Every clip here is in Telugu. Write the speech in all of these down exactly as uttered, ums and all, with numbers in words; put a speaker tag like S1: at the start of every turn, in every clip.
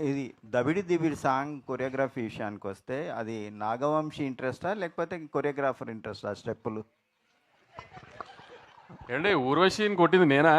S1: ఇది దబిడి దిబిడి సాంగ్ కొరియోగ్రఫీ విషయానికి వస్తే అది నాగవంశీ ఇంట్రెస్టా లేకపోతే కొరియోగ్రాఫర్ ఇంట్రెస్టా స్టెప్పులు?
S2: ఏండి ఊర్వశిని కొట్టింది నేనా?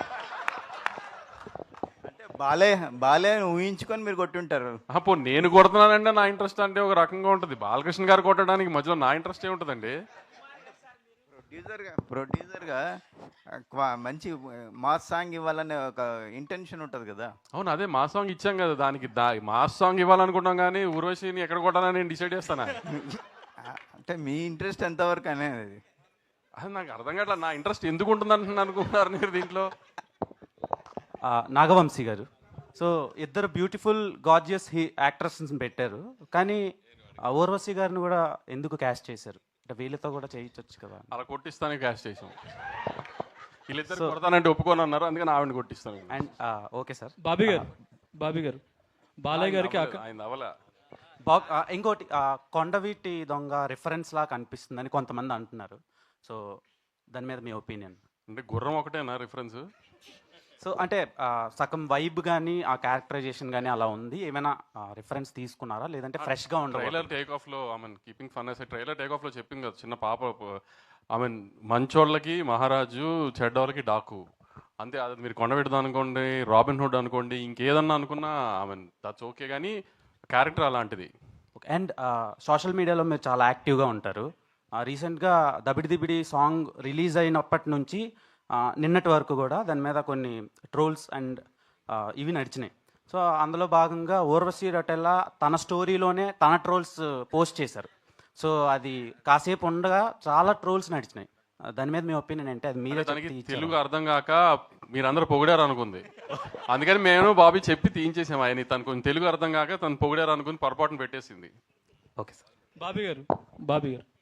S1: అంటే బాలే బాలే అని ఊహించుకొని మీరు కొట్టుంటారు.
S2: అప్పుడు నేను కొడుతున్నానంటే నా ఇంట్రెస్ట్ అంటే ఒక రకంగా ఉంటుంది. బాలకృష్ణ గారు కొట్టడానికి మధ్యలో నా ఇంట్రెస్ట్ ఏముంటుందండి?
S1: ప్రొడ్యూసర్గా ప్రొడ్యూసర్గా క్వా- మంచి మాస్ సాంగ్ ఇవ్వాలనే ఒక ఇంటెన్షన్ ఉంటుంది కదా.
S2: అవును, అదే మా సాంగ్ ఇచ్చాం కదా, దానికి దా మాస్ సాంగ్ ఇవ్వాలనుకుంటాం కానీ ఊర్వశిని ఎక్కడ కొట్టాలని నేను డిసైడ్ చేస్తానా?
S1: అంటే మీ ఇంట్రెస్ట్ ఎంతవరకు అనేది
S2: అది నాకు అర్థం కావట్లా. నా ఇంట్రెస్ట్ ఎందుకు ఉంటుంది అంటున్నాను అనుకుంటున్నారు మీరు దీంట్లో?
S3: ఆ, నాగవంశీ గారు. సో ఇద్దరు బ్యూటిఫుల్ గార్జియస్ హీ యాక్ట్రెస్ని పెట్టారు, కానీ ఆ ఊర్వశి గారిని కూడా ఎందుకు క్యాస్ట్ చేశారు? అంటే వీళ్ళతో కూడా చేయించవచ్చు కదా.
S2: అలా కొట్టిస్తానే క్యాష్ చేసాం. వీళ్ళిద్దరు కొడతానంటే ఒప్పుకొని అన్నారు, అందుకని ఆవిడని కొట్టిస్తాను.
S3: And okay sir.
S4: Bobby garu Bobby గారు బాలయ్య గారికి అక్క
S2: ఆయన అవలా
S3: బా- ఆ, ఇంకోటి ఆ, కొండవీటి దొంగ రిఫరెన్స్ లా కనిపిస్తుందని కొంతమంది అంటున్నారు. సో దాని మీద మీ ఒపీనియన్?
S2: అంటే గుర్రం ఒకటేనా రిఫరెన్స్?
S3: సో అంటే ఆ, సగం వైబ్ కానీ ఆ క్యారెక్టరైజేషన్ కానీ అలా ఉంది. ఏమైనా రిఫరెన్స్ తీసుకున్నారా, లేదంటే ఫ్రెష్గా ఉండదు?
S2: ట్రైలర్ టేక్ ఆఫ్ లో ఐ మీన్ కీపింగ్ ఫన్ అసలు ట్రైలర్ టేక్ ఆఫ్ లో చెప్పింది కదా, చిన్న పాప ఐ మీన్ మంచోళ్ళకి మహారాజు, చెడ్డోళ్ళకి డాకు అంతే. అది మీరు కొండబెడదా అనుకోండి, రాబిన్ హుడ్ అనుకోండి, ఇంకేదన్నా అనుకున్నా ఐ మీన్ దట్స్ ఓకే, కానీ క్యారెక్టర్ అలాంటిది.
S3: అండ్ సోషల్ మీడియాలో మీరు చాలా యాక్టివ్గా ఉంటారు. రీసెంట్గా దబిడి దిబిడి సాంగ్ రిలీజ్ అయినప్పటి నుంచి ఆ, నిన్నటి వరకు కూడా దాని మీద కొన్ని ట్రోల్స్ అండ్ ఇవి నడిచినాయి. సో అందులో భాగంగా ఊర్వశి రొటెల్లా తన స్టోరీలోనే తన ట్రోల్స్ పోస్ట్ చేశారు. సో అది కాసేపు ఉండగా చాలా ట్రోల్స్ నడిచినాయి. ఆ, దాని మీద మీ ఒపీనియన్ ఏంటి? అది మీరే
S2: తనకి
S3: చెప్పి
S2: తెలుగు అర్థం కాక మీరందరూ పొగిడారు అనుకుంది, అందుకని మేము బాబీ చెప్పి తీయించేసాము. ఆయన తను కొంచెం తెలుగు అర్థం కాక తను పొగిడారు అనుకుని పొరపాటును పెట్టేసింది.
S3: Okay sir.
S4: బాబీ గారు బాబీ గారు